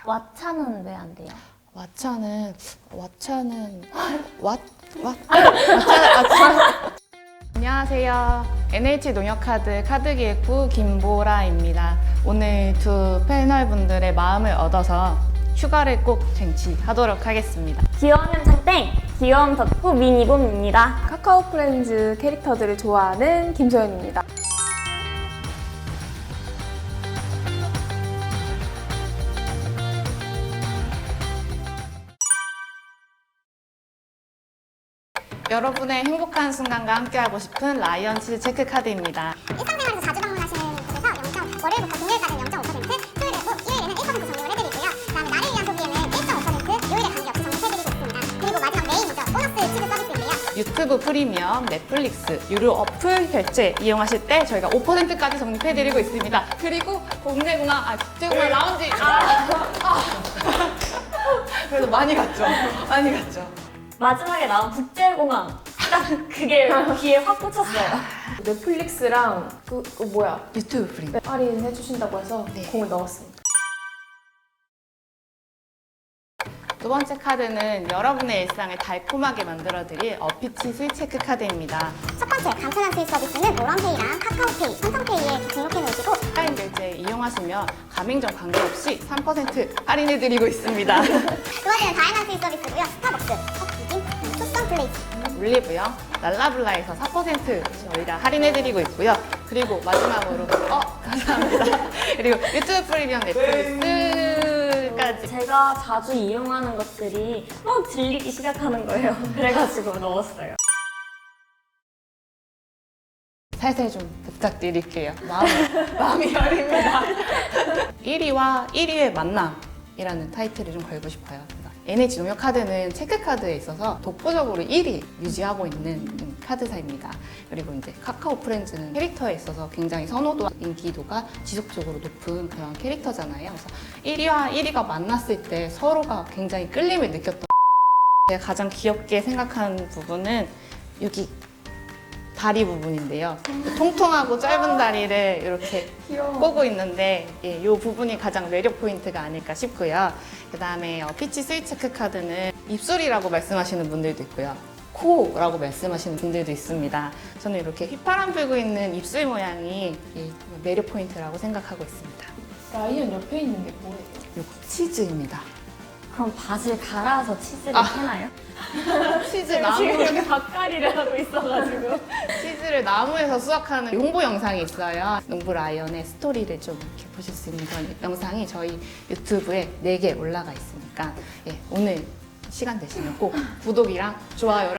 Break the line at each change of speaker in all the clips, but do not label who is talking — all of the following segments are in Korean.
왓챠는 왜 안 돼요?
왓챠는 안녕하세요. NH농협카드 카드기획부 김보라입니다. 오늘 두 패널분들의 마음을 얻어서 휴가를 꼭 쟁취하도록 하겠습니다.
귀여운 현창땡! 귀여움 덕후 미니봄입니다.
카카오 프렌즈 캐릭터들을 좋아하는 김소연입니다.
여러분의 행복한 순간과 함께하고 싶은 라이언치즈 체크카드입니다.
일상생활에서 자주 방문하시는 곳에서 0. 월요일부터 금요일까지는 0.5%, 토요일에는 1% 적립을 해드리고요. 그다음에 나를 위한 소비에는 1.5%, 요일에 관계없이 적립해드리고 있습니다. 그리고 마지막 메인이죠. 보너스 치즈 서비스인데요.
유튜브 프리미엄, 넷플릭스, 유료 어플 결제 이용하실 때 저희가 5%까지 적립해드리고 있습니다. 그리고 국제공항 라운지 그래도 많이 갔죠? 많이 갔죠?
마지막에 나온 국제공항. 딱 그게 귀에 확 꽂혔어요.
넷플릭스랑
유튜브 프리.
할인 해주신다고 해서
네.
공을 넣었습니다.
두 번째 카드는 여러분의 일상을 달콤하게 만들어드릴 어피치 스윗 체크 카드입니다.
첫 번째 간편한 수입 서비스는 모런페이랑 카카오페이, 삼성페이에 등록해 놓으시고
할인 결제 이용하시면 가맹점 관계없이 3% 할인해드리고 있습니다.
두 번째는 다양한 수입 서비스고요. 스타벅스, 컵비빔, 투썸 플레이스.
올리브영, 랄라블라에서 4% 저희가 할인해드리고 있고요. 그리고 마지막으로 감사합니다. 그리고 유튜브 프리미엄 넷플릭스까지
제가 자주 이용하는 것들이 막 들리기 시작하는 거예요. 그래가지고 넣었어요.
살살 좀 부탁드릴게요. 마음이 여립니다. 1위와 1위의 만남이라는 타이틀을 좀 걸고 싶어요. NH농협카드는 체크카드에 있어서 독보적으로 1위 유지하고 있는 카드사입니다. 그리고 이제 카카오 프렌즈는 캐릭터에 있어서 굉장히 선호도와 인기도가 지속적으로 높은 그런 캐릭터잖아요. 그래서 1위와 1위가 만났을 때 서로가 굉장히 끌림을 느꼈던 제가 가장 귀엽게 생각하는 부분은 여기 다리 부분인데요. 통통하고 짧은 다리를 이렇게 꼬고 있는데 이 부분이 가장 매력 포인트가 아닐까 싶고요. 그 다음에 피치 스윗 체크 카드는 입술이라고 말씀하시는 분들도 있고요. 코라고 말씀하시는 분들도 있습니다. 저는 이렇게 휘파람 불고 있는 입술 모양이 매력 포인트라고 생각하고 있습니다.
라이언 옆에 있는 게 뭐예요?
이거 치즈입니다.
그럼 밭을 갈아서 치즈를 캐나요?
치즈
지금
나무
여기 밭갈이를 하고 있어가지고.
치즈를 나무에서 수확하는 홍보 영상이 있어요. 농부 라이언의 스토리를 좀 이렇게 보실 수 있는 그런 영상이 저희 유튜브에 4개 올라가 있으니까 오늘 시간 되시면 꼭 구독이랑 좋아요를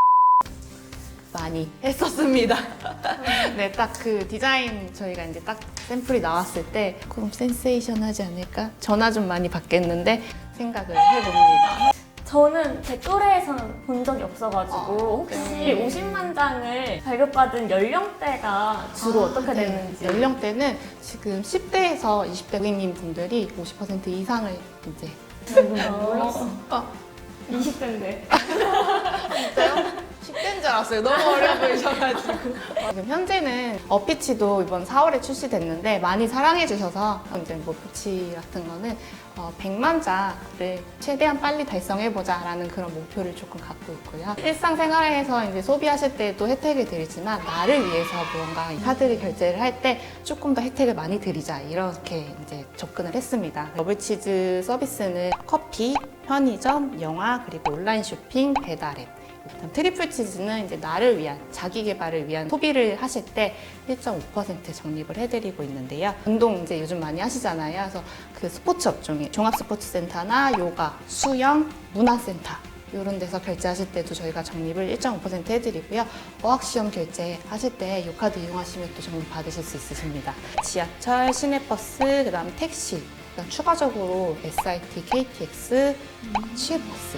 많이 했었습니다. 네, 딱 그 디자인 저희가 이제 딱 샘플이 나왔을 때 그럼 센세이션하지 않을까? 전화 좀 많이 받겠는데 생각을 해봅니다.
저는 제 또래에서는 본 적이 없어가지고 혹시 50만 장을 발급받은 연령대가 주로 어떻게 되는지.
연령대는 지금 10대에서 20대 고객님 분들이 50% 이상을 이제
몰랐어. 20대인데.
진짜요? 10대인 줄 알았어요. 너무 어려 보이셔가지고. 지금 현재는 어피치도 이번 4월에 출시됐는데 많이 사랑해주셔서 이제 뭐 피치 같은 거는 100만 자를 최대한 빨리 달성해보자라는 그런 목표를 조금 갖고 있고요. 일상생활에서 이제 소비하실 때도 혜택을 드리지만 나를 위해서 무언가 이 카드를 결제를 할 때 조금 더 혜택을 많이 드리자 이렇게 이제 접근을 했습니다. 더블치즈 서비스는 커피, 편의점, 영화, 그리고 온라인 쇼핑, 배달앱. 트리플 치즈는 이제 나를 위한 자기 개발을 위한 소비를 하실 때 1.5% 적립을 해드리고 있는데요. 운동 이제 요즘 많이 하시잖아요. 그래서 그 스포츠 업종에 종합스포츠센터나 요가, 수영, 문화센터 이런 데서 결제하실 때도 저희가 적립을 1.5% 해드리고요. 어학시험 결제하실 때 이 카드 이용하시면 또 적립 받으실 수 있으십니다. 지하철, 시내버스, 그 다음 택시, 그다음 추가적으로 SIT, KTX, 취해버스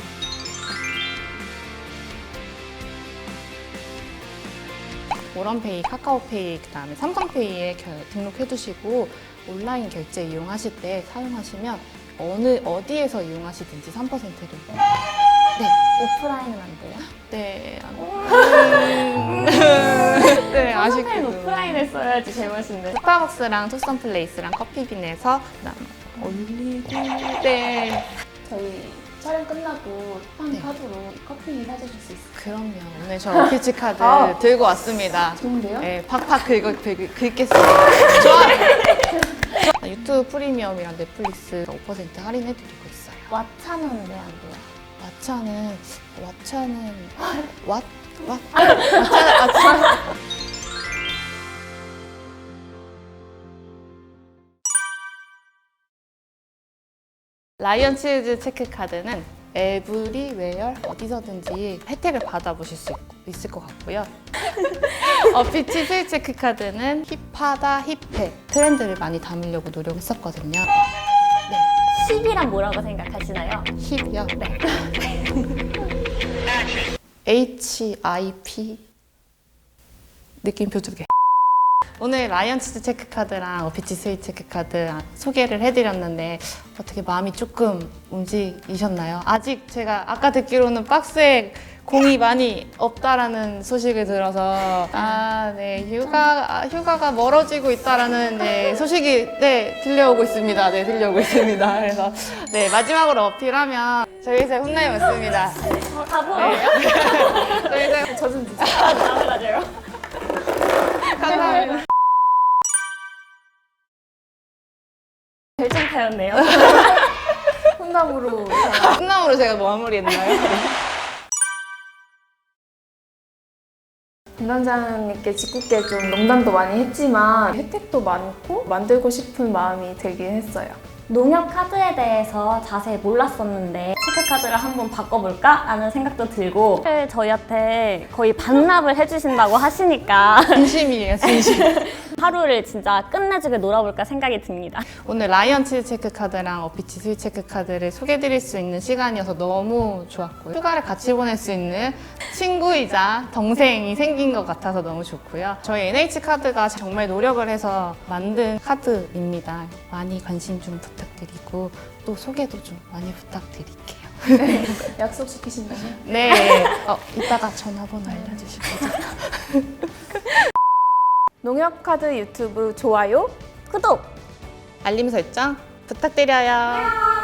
모런페이, 카카오페이, 그다음에 삼성페이에 등록해두시고 온라인 결제 이용하실 때 사용하시면 어디에서 이용하시든지 3%를
오프라인은 안 돼요?
네,
네,
아쉽게도
오프라인을 써야지 제맛인데.
스타벅스랑 투썸플레이스랑 커피빈에서 그다음 올리고. 네.
저희 촬영 끝나고 한
네.
카드로 커피 사주실 수 있어요?
그럼요. 오늘 저 어피치 카드
아.
들고 왔습니다.
좋은데요?
네, 팍팍 긁겠습니다. 좋아요. 유튜브 프리미엄이랑 넷플릭스 5% 할인해드리고 있어요.
왓챠는 왜 안 돼요?
왓챠는 왓챠는 라이언 치즈 체크카드는 에브리웨어 어디서든지 혜택을 받아보실 수 있을 것 같고요. 어피치 스윗 체크카드는 힙하다 힙해 트렌드를 많이 담으려고 노력했었거든요.
10이란 뭐라고 생각하시나요?
힙이요? 네. HIP 느낌표 두 개. 오늘 라이언 치즈 체크카드랑 어피치 스윗 체크카드 소개를 해드렸는데 어떻게 마음이 조금 움직이셨나요? 아직 제가 아까 듣기로는 박스에 공이 많이 없다라는 소식을 들어서 휴가가 멀어지고 있다라는 소식이 들려오고 있습니다. 들려오고 있습니다. 그래서 마지막으로 어필하면 저희 회사에 혼나이 왔습니다.
가보.
저희 회사에
저좀 주세요.
맞아요.
감사합니다.
결정타였네요.
혼남으로
끝남으로 제가 마무리했나요?
담당자님께 짓궂게 좀 농담도 많이 했지만 혜택도 많고 만들고 싶은 마음이 들긴 했어요.
농협 카드에 대해서 자세히 몰랐었는데 체크카드를 한번 바꿔볼까? 라는 생각도 들고 저희한테 거의 반납을 해주신다고 하시니까
진심이에요, 진심.
하루를 진짜 끝내주게 놀아볼까 생각이 듭니다.
오늘 라이언 치즈 체크카드랑 어피치 스윗 체크카드를 소개해드릴 수 있는 시간이어서 너무 좋았고요. 휴가를 같이 보낼 수 있는 친구이자 동생이 생긴 것 같아서 너무 좋고요. 저희 NH카드가 정말 노력을 해서 만든 카드입니다. 많이 관심 좀 부탁드리고 또 소개도 좀 많이 부탁드릴게요.
약속시키신다면?
네. 이따가 전화번호 알려주실 거죠?
농협카드 유튜브 좋아요,
구독!
알림 설정 부탁드려요.